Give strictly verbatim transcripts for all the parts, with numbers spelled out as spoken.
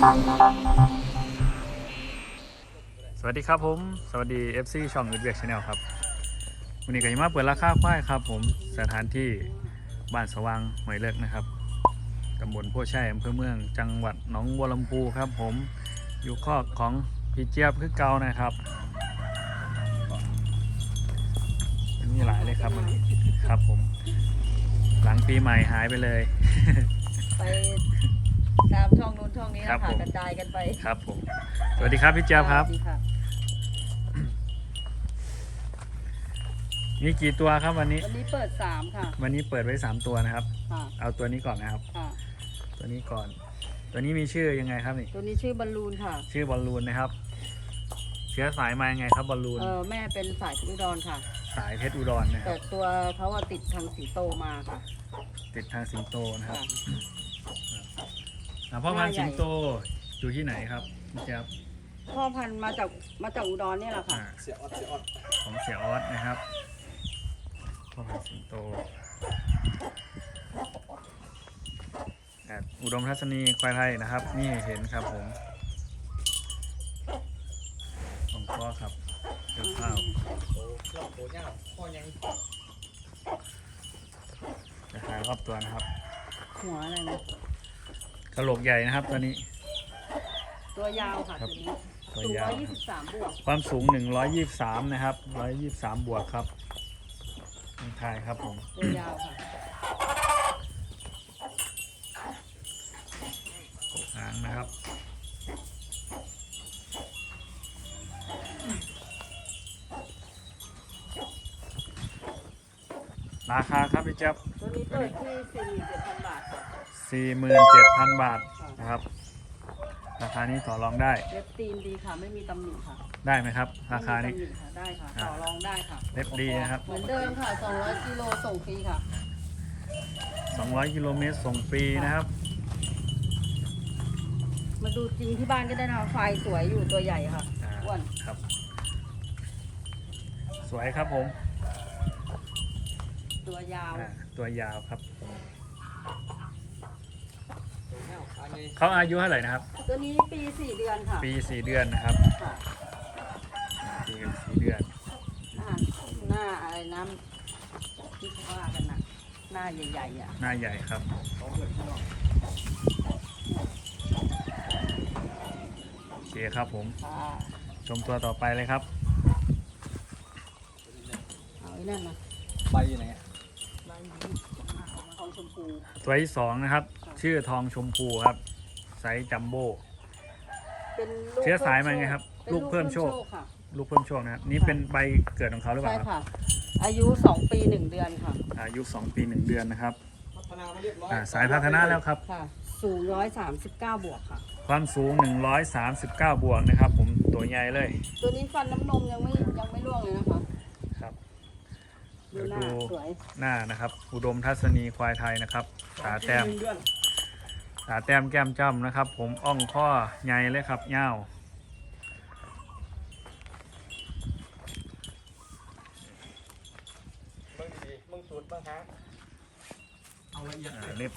สวัสดีครับผมสวัสดี เอฟ ซี ช่องอึดเวียกชาแนลครับวันนี้ก็จะมาเปิดราคาควายครับผมสถานที่บ้านสว่างหอยเลิกนะครับตำบลโพชัยอำเภอเมืองจังหวัดหนองบัวลำพูครับผมอยู่คอกของพี่เจี๊ยบคือเก่านะครับมีหลายเลยครับวันนี้ครับผมหลังปีใหม่หายไปเลยไปตามช่องนู้นช่องนี้ครันะบคะผมกระจายกันไปครับผมสวัสดีครับพี่เจี๊ยบครับสวัสดีค่ะมีกี่ตัวครับวันนี้วันนี้เปิดสามค่ะวันนี้เปิดไว้สามตัวนะครับค่ะเอาตัวนี้ก่อนนะครับค่ะตัวนี้ก่อน ตัวนี้มีชื่อยังไงครับนี่ตัวนี้ชื่อบอลลูนค่ะชื่อบอลลูนนะครับเชื้อสายมายังไงครับบอลลูนเออแม่เป็นสายอุดรค่ะสายเพชรอุดรนะคแต่รับตัวเขาอะติดทางสีโตมาค่ะติดทางสิงโตนะครับค่ะอ่าพ่อพันธุ์สิงโตอยู่ที่ไหนครับพี่เจี๊ยบพ่อพันธุ์มาจากมาจากอุดรเนี่ยแหละค่ะอ่าเสียออดเสียออดของเสียออสนะครับพ่อพันธุ์สิงโตอ่าอุดมทัศนีควายไทยนะครับ นี่เห็นครับผมของพ่อครับเจ้าข้าวโอ้รอบโหเงาพ่อยังจะหารอบตัวนะครับหัวอะไรนะกระโหลกใหญ่นะครับตัวนี้ตัวยาวค่ะครับตัวนี้ตัวสูงยาวร้อยยี่สิบสามบวกความสูงหนึ่งร้อยยี่สิบสามนะครับหนึ่งร้อยยี่สิบสามบวกครับนี่ทายครับผมตัวยาวค่ะกบหางนะครับราคาครับพี่เจ๊บตัวนี้เปิดที่สี่หมื่นเจ็ดพันบาทค่ะสี่หมื่นเจ็ดพันบาทนะครับ ราคานี้ต่อรองได้เล็บตีนดีค่ะ ไม่มีตำหนิค่ะได้ไหมครับ ราคานี้ไม่มีตำหค่ะได้ค่ะ ต่อรองได้ค่ะเล็บดีนะครับเหมือนเดิมค่ะ สองร้อยกิโลส่งฟรีค่ะสองร้อยกิโลเมตรส่งฟรีนะครับมาดูจริงที่บ้านก็ได้นะคะไฟสวยอยู่ตัวใหญ่ค่ะอ่าอ้วนครับ สวยครับผมตัวยาวอ่าตัวยาวครับโหเงาอันนี้เขาอายุเท่าไหร่นะครับตัวนี้ปีสี่เดือนค่ะปีสี่เดือนนะครับค่ะปีกับสี่เดือนหน้าหน้าอะไรน้ำที่เขาว่ากันนะหน้าใหญ่ๆอ่ะหน้าใหญ่ครับเขาเปิดข้างนอกโอเคครับผมค่ะชมตัวต่อไปเลยครับเอาไอ้นั่นนะใบอยู่ไหนอะใบนี้ทองชมพูตัวที่สองนะครับ ชื่อทองชมพูครับไซส์จัมโบ้เป็นลูกเชื้อสายมาไงครับเป็นลูกเพิ่มโชคค่ะลูกเพิ่มโชคนะครับ นี่เป็นใบเกิดของเขาหรือเปใช่ล่าครับค่ะ อายุสองปีหนึ่งเดือนค่ะอายุสองปีหนึ่งเดือนนะครับพัฒนามาเรียบร้อยอ่าสายพัฒนาแล้วครับค่ะ สูงร้อยสามสิบเก้าบวกค่ะความสูงหนึ่งร้อยสามสิบเก้าบวกนะครับ ผมตัวใหญ่เลยตัวนี้ฟันน้ำนมยังไม่ยังไม่ร่วงเลยนะคะครับดูเดี๋ยวหน้าดูสวยหน้านะครับ อุดมทัศนีควายไทยนะครับตาแต้มหนึ่งเดือนตาแต้มแก้มจ้ำนะครับ ผมอ่องข้อใหญ่เลยครับเง่าวเบิ่งดีๆเบิ่งสูตรเบิ่งหางเอาละเอียดอ่าเลยเล็บ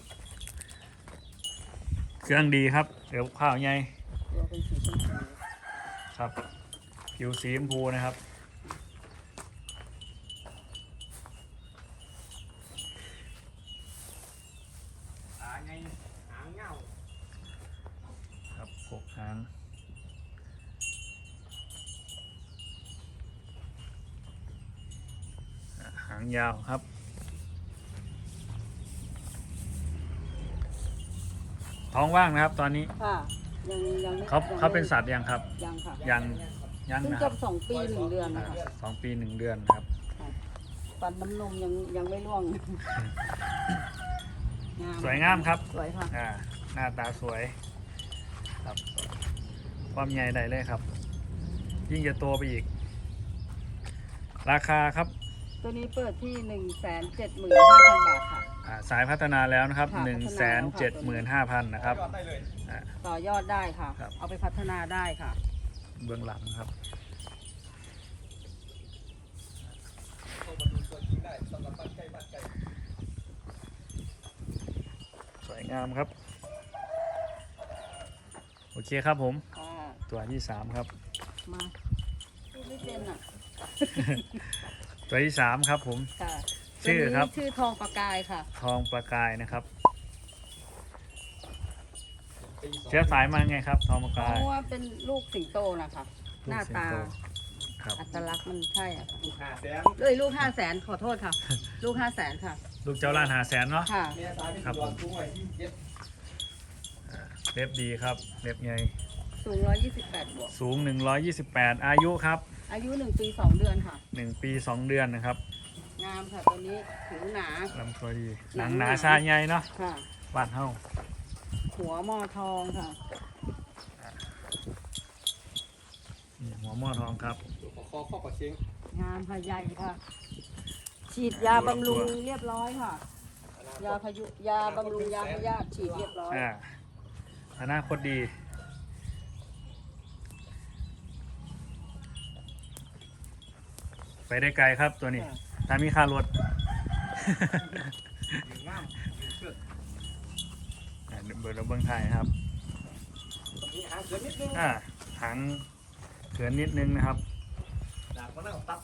เครื่องดีครับเดี๋ยวข้าวใหญ่ตัวเป็นสีชมพูครับผิวสีชมพูนะครับตาไงหางเงาครับกกหางอ่าหางยาวครับ ท้องว่างนะครับ ตอนนี้ค่ะ ยังยังไม่เขายังไม่เขาเป็นสัตว์ยังครับยังค่ะยังยังเพิ่งนะคจะรับสองปีหนึ่งเดือนนะคะสองปีหนึ่งเดือนนะครับฟันน้ำนมยังยังไม่ร่วงสวยงามครับสวยค่ะอ่าหน้าตาสวยครับความใหญ่ได้เลยครับ ยิ่งจะโตไปอีก ราคาครับตัวนี้เปิดที่หนึ่งแสนเจ็ดหมื่นห้าพันบาทค่ะอ่าสายพัฒนาแล้วนะครับค่ะหนึ่งพัฒแสนาน แล้วค่ะเจ็ดหมื่นห้าพันนะครับยอดได้เลยอ่าต่อยอดได้ค่ะครับเอาไปพัฒนาได้ค่ะเบื้องหลังครับเข้ามาดูตัวจริงได้สำหรับบ้านใกล้บ้านไกลสวยงามครับโอเคครับผมค่ะตัวที่สามครับมาพูดไม่เป็นอ่ะตัวที่สามครับผมค่ะชื่อครับตัวนี้ชื่อทองประกายค่ะทองประกายนะครับปีสองเชื้อสายมาไงครับทองประเพกายราะว่าเป็นลูกสิงโตนะคะ หน้าตาลูกสิงโตครับอัตลักษณ์มันใช่อ่ะลูกห้าแสนเลยลูกห้าแสนขอโทษค่ะ ลูกห้าแสนค่ะลูกเจ้าล้านหาแสนเนาะค่ะเมียสายที่ครับดผอนมกุ้งไว้ที่เจ็ดเล็บดีครับเล็บใหญ่สูงร้อยยี่สิบแปดบวกสูงหนึ่งร้อยยี่สิบแปดอายุครับอายุหนึ่งปีสองเดือนค่ะหนึ่งปีสองเดือนนะครับงามค่ะตัวนี้ผิวหนาลำตัวดีหหนันังงหหนานาชาใหญ่เนาะค่ะบ้านเฮาหัวหมอทองค่ะนี่หัวหม้อทองครับขอคอข้อปลาเชียงงามค่ะใหญ่ค่ะ ฉีดยาบำรุงเรียบร้อยค่ะ ยาพายุยาบำรุงยาพยาธิฉีดเรียบร้อยอ่าอนาคตดี ไปได้ไกลครับตัวนี้ ถ้ามีค่ารถยืนง่ามยืนเชือกอ่าเบอร์เราเบื้องไทยครับมีหางเสือนิดนึงอ่าหางเขือนนิดนึงนะครับดาบมะนาวตัด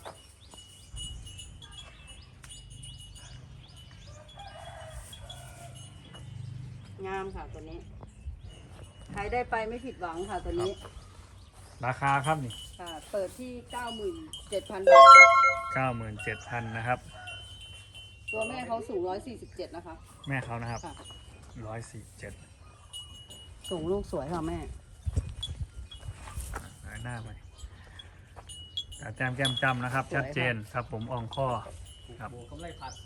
งามค่ะตัวนี้ ใครได้ไปไม่ผิดหวังค่ะตัวนี้ราคาครับนี่ค่ะ เปิดที่ เก้าหมื่นเจ็ดพัน บาทค่ะเก้าหมื่นเจ็ดพันนะครับตัวแม่เขาสูงร้อยสี่สิบเจ็ดนะคะแม่เขานะครับค่ะร้อยสี่เจ็ดสูงลูกสวยค่ะแม่หน้าไปตาแจมแก้มจำนะครับ ชัดเจนครับผมอ่องข้อ ครับโบกำไรผัดขา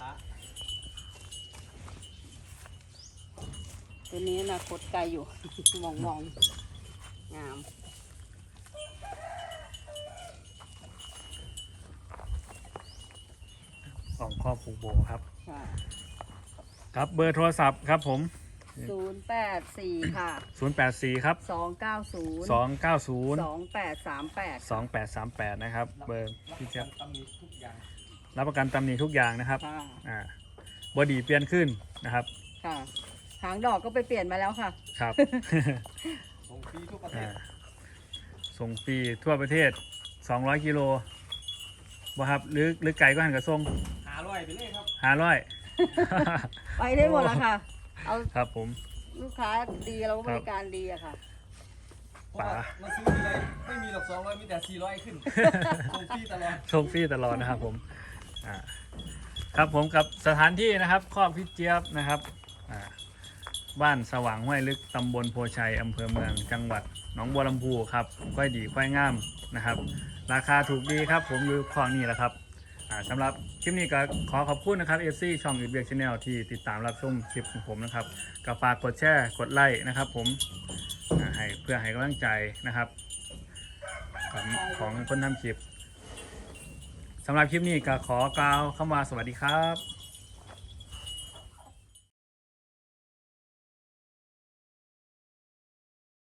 ตัวนี้อนะคตไกลอยู่ มองมองงามอ่องข้อผูกโบครับค่ะครับเบอร์โทรศัพท์ครับผมศูนย์แปดสี่ค่ะศูนย์แปดสี่ครับสองเก้าศูนย์สองเก้าศูนย์สองแปดสามแปดสองแปดสามแปดนะครับ เบอร์พี่เจี๊ยบตำหนิทุกอย่างรับประกันตำหนิทุกอย่างนะครับค่ะอ่าบอดีเปลี่ยนขึ้นนะครับค่ะหางดอกก็ไปเปลี่ยนมาแล้วค่ะครับส่งฟรีทุกประเทอ่าศส่งฟรีทั่วประเทศ สองร้อย กิโลบ่ครับหรือหรือไก่ก็หันกระส่งหาร้อยไปเลยครับห้าร้อยไปได้หมดแล้วค่ะ เอาครับผมลูกค้าดีเราก็บริการดีอะค่ะเพราะว่ามาซื้อทีไรไม่มีหรอกสองร้อยมีแต่สี่ร้อยขึ้นส่งฟรีตลอดส่งฟรีตลอดนะครับผมอ่าครับผมกับสถานที่นะครับครอบพี่เจี๊ยบนะครับอ่าบ้านสว่างห้วยลึกตำบลโพชัยอำเภอเมืองจังหวัดหนองบัวลำพูครับค่อยดีค่อยงามนะครับ ราคาถูกดีครับผมอยู่คลองนี้แหละครับอ่าสำหรับคลิปนี้ก็ขอขอบคุณนะครับเอฟซีช่องอีเบียกชาแนลที่ติดตามรับชมคลิปของผมนะครับก็ฝากกดแชร์กดไลค์นะครับผมอ่าให้เพื่อให้กำลังใจนะครับของของคนทำคลิปสำหรับคลิปนี้ก็ขอกล่าวคำว่าสวัสดีครับ